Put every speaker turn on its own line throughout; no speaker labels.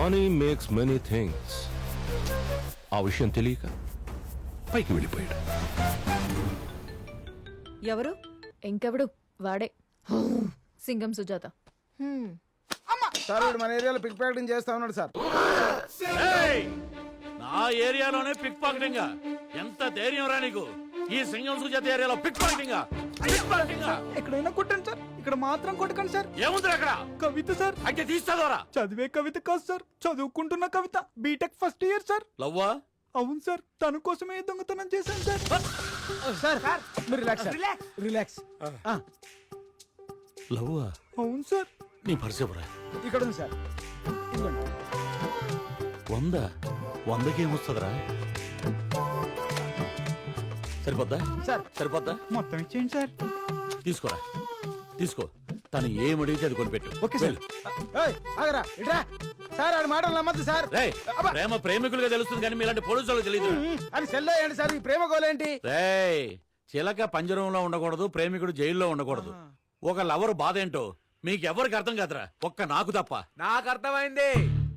Money makes many things. ఆ విషయం తెలియక పైకి వెళ్ళిపోయాడు.
ఎవరు?
ఇంకెవడు వాడే సింగం సుజాత.
సార్ వీడు మన ఏరియాలో పిక్ ప్యాకెటింగ్ చేస్తా ఉన్నాడు సార్.
నా ఏరియాలోనే పిక్ పాకెటింగ్? ఎంత ధైర్యం రా నీకు? ఈ సింగం సుజాత ఏరియాలో పిక్ పాకెటింగ్?
ఎక్కడైనా కొట్టండి సార్, ఇక్కడ మాత్రం కొట్టకండి సార్.
ఏముంది అక్కడ?
కవిత సార్.
అంటే తీస్తాదోరా?
చదివే కవిత కాదు సార్, చదువుకుంటున్న Kavitha. BTech first year sir.
లవ్వా?
అవును సార్, తన కోసమే దొంగతనం చేశాను సార్. సార్ మీరు రిలాక్స్ రిలాక్స్.
లవ్వా?
అవును సార్.
నీ పరిచయరా?
ఇక్కడ ఉంది సార్. ఇదిగోండి.
100కి ఏమొస్తుందిరా? సరిపోద్దా
సార్?
సరిపోద్దా?
మొత్తం ఇచ్చేయండి సార్.
తీసుకోరా, తీసుకో. తను ఏమడిగితే అది కొనిపెట్టు.
Okay sir. ఆగరా ఇట్రా సార్. ఆడి మాటలు నమ్మద్దు సార్.
రేయ్, ప్రేమ ప్రేమికులుగా తెలుస్తుంది కానీ మీలాంటి పోలీసు వాళ్ళకి తెలియదు.
అని సెల్లో ఏంటి సార్ ఈ ప్రేమ గోలేంటి?
రేయ్, చిలక పంజరంలో ఉండకూడదు, ప్రేమికుడు జైల్లో ఉండకూడదు. ఒక లవర్ బాధ ఏంటో మీకెవరికి అర్థం కాదురా, ఒక్క నాకు తప్ప.
నాకు అర్థమైంది.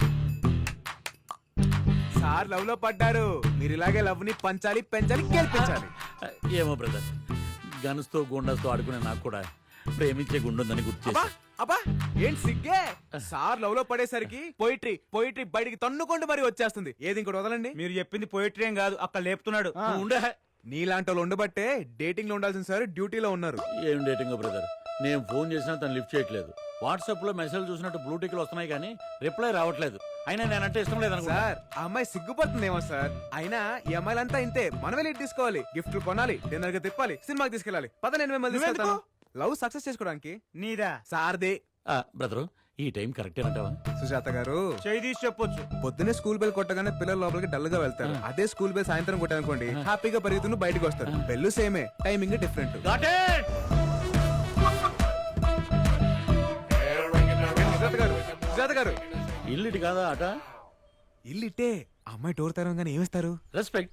సార్ లవ్ లో పడ్డారు. మీరు ఇలాగే లవ్ ని పంచాలి, పెంచాలి, గెలిపించాలి.
ఏమో బ్రదర్, గన్స్తో గుండస్తో ఆడుకునే నాకు కూడా ప్రేమించే గుండుందని గుర్తు చేసి.
అబ్బా ఏంటి సిగ్గే? సార్ లవ్ లో పడేసరికి పోయిట్రీ పోయిట్రీ బయటికి తన్నుకుంటూ మరి వచ్చేస్తుంది. ఏది ఇంకోటి వదలండి.
మీరు చెప్పింది పోయిటరీ ఏం కాదు, అక్కడ లేపుతున్నాడు.
నువ్వు ఉండే.
నీలాంటి వాళ్ళు ఉండబట్టే డేటింగ్ లో ఉండాల్సిన సార్ డ్యూటీలో ఉన్నారు.
ఏం డేటింగ్ బ్రదర్? నేను ఫోన్ చేసినా తను లిఫ్ట్ చేయట్లేదు. వాట్సాప్ లో మెసేజ్ చూసినట్టు బ్లూ టిక్లు వస్తున్నాయి కానీ రిప్లై రావట్లేదు. అయినా నేనంటే ఇష్టం లేదు అనుకో.
సార్ ఆ అమ్మాయి సిగ్గుపడుతుందేమో సార్. అయినా ఈ అమ్మాయిలంతా ఇంతే. మనమే లీడ్ తీసుకోవాలి, గిఫ్ట్లు కొనాలి, డిన్నర్ గా తిప్పాలి, సినిమాకి తీసుకెళ్ళాలి. పద నేను మిమ్మల్ని తీసుకెళ్తాను. లవ్ సక్సెస్ చేసుకోవడానికి.
నీదా?
సార్దే.
బ్రదరు, ఈ టైం కరెక్టేనంటావా?
సుజాత గారు
చేయి తీసి చెప్పొచ్చు.
పొద్దున్నే స్కూల్ బెల్ కొట్టగానే పిల్లలు లోపలికి డల్ గా వెళ్తారు. అదే స్కూల్ బెల్ సాయంత్రం కొట్టానుకోండి, హ్యాపీగా పరిగెత్తును బయటకు వస్తారు. బెల్లు సేమే, టైమింగ్ డిఫరెంట్. సుజాత గారు
ఇల్లుటి కాదా అట?
ఇల్లిట్టే. అమ్మాయి డోర్ తెరవగానే ఏమిస్తారు?
రెస్పెక్ట్.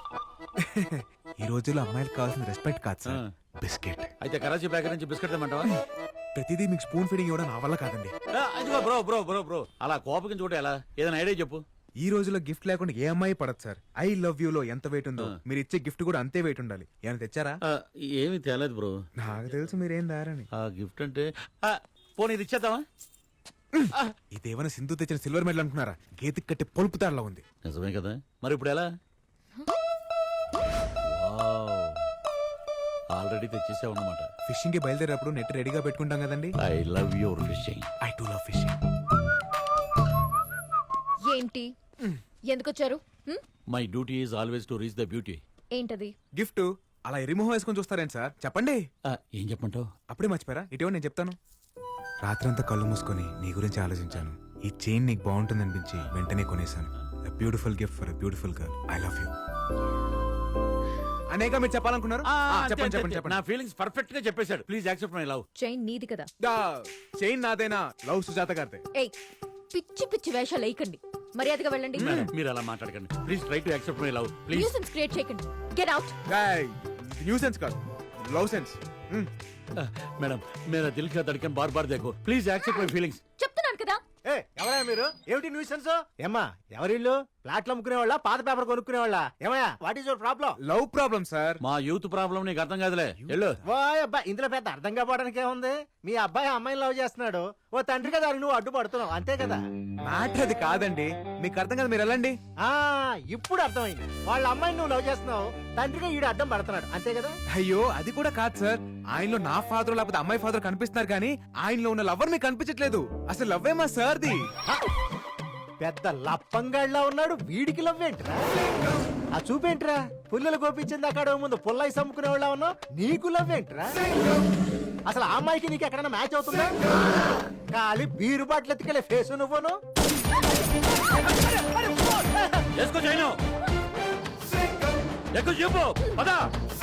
ఈ రోజుల్లో అమ్మాయిలకు కావాల్సిన రెస్పెక్ట్ కాదు సార్, బిస్కెట్.
అయితే కరాచీ బేకరీ నుంచి బిస్కెట్ తెమ్మంటావా?
ప్రతిదీ మీకు స్పూన్ ఫీడింగ్ ఇవ్వడం నా వల్ల కాదండి.
అదిగో బ్రో బ్రో బ్రో బ్రో, అలా కోపకి చూడ ఎలా? ఏదైనా ఐడియా చెప్పు.
ఈ రోజుల్లో గిఫ్ట్ లేకుండా ఏ అమ్మాయి పడదు సార్. ఐ లవ్ యూ లో ఎంత వెయిట్ ఉందో మీరు ఇచ్చే గిఫ్ట్ కూడా అంతే వెయిట్ ఉండాలి. ఏమైనా తెచ్చారా?
ఏమీ తేలేదు బ్రో.
నాకు తెలుసు మీరేం దారని.
ఆ గిఫ్ట్ అంటే పోనీ ఇది ఇచ్చేద్దామా?
ఇదేమైనా సింధు తెచ్చిన సిల్వర్ మెడల్ అనుకున్నారా? గేతికి కట్టి పొలుపు తాడలా ఉంది.
నిజమే కదా, మరి ఇప్పుడు ఎలా? ఆల్రెడీ తెచ్చేసావు అన్నమాట.
ఫిషింగ్ కి బయలుదేరేటప్పుడు నెట్ రెడీగా పెట్టుకుంటాం కదండి.
I love your fishing.
I too love fishing.
ఏంటి? ఎందుకొచ్చారు?
My duty is always to reach the beauty.
ఏంటది?
గిఫ్ట్ అలా ఎరిమోహం వేసుకొని చూస్తారేం సార్? చెప్పండి.
ఏం చెప్పంటావు?
అప్పుడే మర్చిపోయారా? ఇటీవల నేను చెప్తాను. రాత్రంతా కళ్ళు మూసుకొని నీ గురించి ఆలోచించాను. ఈ చైన్ నీకు బాగుంటుంది అనిపించి వెంటనే కొనేశాను. Beautiful gift for beautiful girl. I love you. అనేక మీరు చెప్పాలనుకున్నారు? చెప్పండి చెప్పండి చెప్పండి.
నా ఫీలింగ్స్ పర్ఫెక్ట్ గా చెప్పేశాడు. Please accept my love.
Chain నీది కదా?
చైన్ నాదేనా? లవ్ సుజాత గారిదే.
ఏయ్, పిచ్చి పిచ్చి వేషాలు వేయకండి, మర్యాదగా వెళ్ళండి.
మీరు అలా మాట్లాడకండి. Please try to accept my love please.
Nuisance create చేయకండి. Get out.
న్యూ సెన్స్ కాదు, లవ్ సెన్స్.
మేడం, మేరా దిల్ కా ధడ్కన్ బార్ బార్ దేఖో. Please accept my feelings.
చెప్తున్నాను కదా.
ఎవరయ్యా మీరు? ఏమిటి న్యూసెన్స్? ఏమ్మా ఎవరిల్లు? ప్లాట్లు అమ్ముకునే వాళ్ళ, పాత పేపర్ కొనుక్కునే వాళ్ళ? ఏమయ్యా, what is your problem?
Love problem sir.
మా యూత్ ప్రాబ్లం నీకు అర్థం కాదులే. వెళ్ళు.
ఓ అబ్బాయి, ఇందులో పెద్ద అర్థం కావడానికి ఏముంది? మీ అబ్బాయి అమ్మాయిని లవ్ చేస్తున్నాడు, ఓ తండ్రిగా దానికి నువ్వు అడ్డుపడుతున్నావు, అంతే కదా?
మ్యాటర్ అది కాదండి, మీకు అర్థం కదా, మీరు వెళ్ళండి.
ఆ ఇప్పుడు అర్థమైంది. వాళ్ళ అమ్మాయిని నువ్వు లవ్ చేస్తున్నావు, తండ్రిగా ఈడు అడ్డం పడుతున్నాడు, అంతే కదా?
అయ్యో అది కూడా కాదు సార్. ఆయనలో నా ఫాదర్ లేకపోతే అమ్మాయి ఫాదర్ కనిపిస్తున్నారు కానీ ఆయనలో ఉన్న లవర్ మీకు కనిపించట్లేదు. అసలు లవ్వే మా సార్ది.
పెద్ద లప్పంగాళ్ళ ఉన్నాడు, వీడికి లవ్ ఏంట్రా? ఆ చూపేంట్రా? పుల్లలు గోపించింది అక్కడ ముందు పుల్లై సమ్ముకునే వాళ్ళ ఉన్నావు, నీకు లవ్ ఏంట్రా? అసలు ఆ అమ్మాయికి నీకు ఎక్కడైనా మ్యాచ్ అవుతుందా? ఖాళీ బీరు బాటిల్ ఎత్తుకెళ్ళే ఫేసు నువ్వును.
చెప్పు పదా.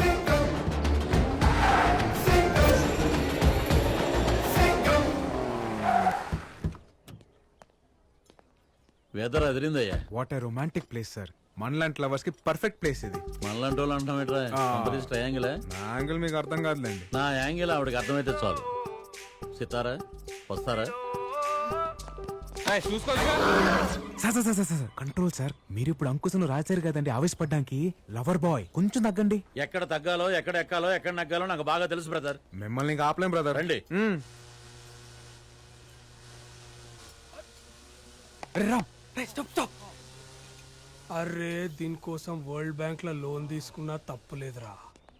వెదర్ అదిరిందయ్యా.
What a romantic place sir. మనలాంటి లవర్స్ కి పర్ఫెక్ట్ ప్లేస్ ఇది.
మనలాంటి వాళ్ళు అంటాం ఏంట్రా? ట్రయాంగిల్.
నా యాంగిల్ మీకు అర్థం కాదులేండి.
నా యాంగిల్ ఆవిడకి అర్థమైతే చాలు. సితారా వస్తారా?
Sir control sir. మీరు ఇప్పుడు అంకుశను రాశారు కదండి ఆవేశపడ్డానికి. లవర్ బాయ్ కొంచెం తగ్గండి.
ఎక్కడ తగ్గాలో ఎక్కడ ఎక్కాలో ఎక్కడ నగ్గాలో నాకు బాగా తెలుసు బ్రదర్.
మిమ్మల్ని ఇంకా ఆపలేం బ్రదర్.
రండి.
అరే దీనికోసం వరల్డ్ బ్యాంక్ లో లోన్ తీసుకున్నా తప్పులేదురా.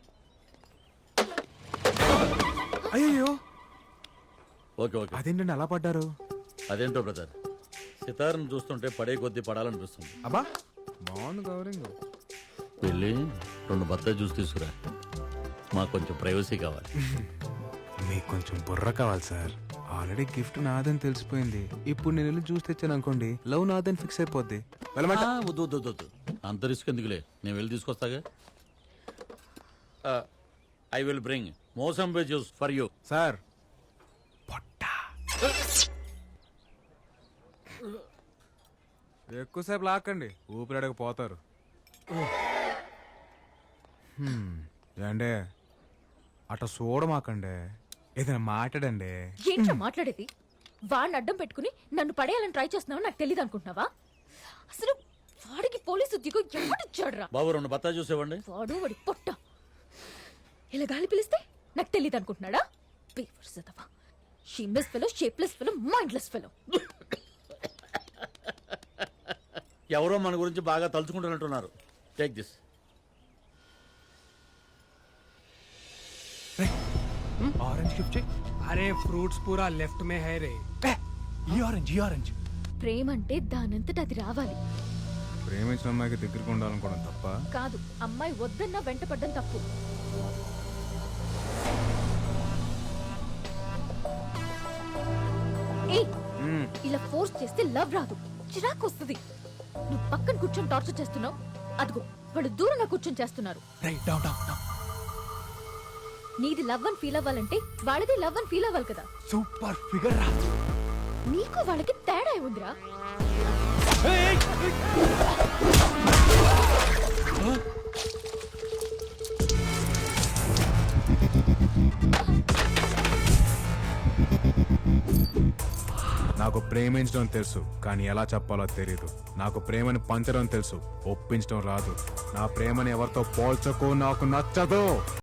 అయ్యో
ఓకే ఓకే.
అదేంటండి అలా పడ్డారు?
అదేంటో బ్రదర్, సితార్ను చూస్తుంటే పడే కొద్దీ పడాలనిపిస్తుంది.
అబ్బా బాగుంది గౌరింగ్.
వెళ్ళి 2 బత్తాయి జ్యూస్ తీసుకురా, మాకు కొంచెం ప్రైవసీ కావాలి.
మీకు కొంచెం బుర్ర కావాలి సార్. ఆల్రెడీ గిఫ్ట్ నాదని తెలిసిపోయింది. ఇప్పుడు నేను వెళ్ళి జ్యూస్ తెచ్చాను అనుకోండి, లవ్ నాదని ఫిక్స్ అయిపోద్ది. వెళ్ళమంట?
వద్దు వద్దు వద్దు, అంత రిస్క్ ఎందుకులే, నేను వెళ్ళి తీసుకొస్తాగా. I will bring mosambi juice for you.
Sir ఎక్కువసేపు లాక్కండి, ఊపిరాడక పోతారు. ఏండే అట్లా చూడమాకండి, ఏదైనా మాట్లాడండి.
ఏంట్రా మాట్లాడేది? వాడిని అడ్డం పెట్టుకుని నన్ను పడేయాలని ట్రై చేస్తున్నావు నాకు తెలియదు అనుకుంటున్నావా? అసలు వాడికి పోలీసు ఉద్యోగం ఎవడిచ్చాడురా?
బాబు 2 బత్తాయి జ్యూస్ ఇవ్వండి.
వాడు వాడి పొట్ట ఇలా గాలి పిలిస్తే నాకు తెలియదు అనుకుంటున్నాడా? Shameless fellow, shapeless fellow, mindless fellow.
ఎవరో మన గురించి బాగా తలుచుకుంటున్నట్టున్నారు. Take this.
ఆరెంజ్ గిఫ్ట్ చేయి.
అరే ఫ్రూట్స్ పూరా లెఫ్ట్ మే హై రే.
ఈ ఆరెంజ్
ప్రేమ అంటే దానంతట అది రావాలి.
ప్రేమించిన అమ్మాయికి దగ్గరికి ఉండాలనుకోవడం తప్ప
కాదు, అమ్మాయి వద్దన్నా వెంట పడ్డం తప్పు. ఏయ్, ఇలా ఫోర్స్ చేస్తే లవ్ రాదు, చిరాకు వస్తుంది. నువ్వు పక్కన కూర్చొని టార్చర్ చేస్తున్నావు, అదిగో వాళ్ళు దూరంగా కూర్చొని చేస్తున్నారు. నీది లవ్ అని ఫీల్ అవ్వాలంటే వాళ్ళది లవ్ అని ఫీల్ అవ్వాలి కదా.
సూపర్ ఫిగర్ రా.
నీకు వాళ్ళకి తేడా ఉందిరా.
నాకు ప్రేమించడం తెలుసు, కానీ ఎలా చెప్పాలో తెలియదు. నాకు ప్రేమని పంచడం తెలుసు, ఒప్పించడం రాదు. నా ప్రేమని ఎవరితో పోల్చకు, నాకు నచ్చదు.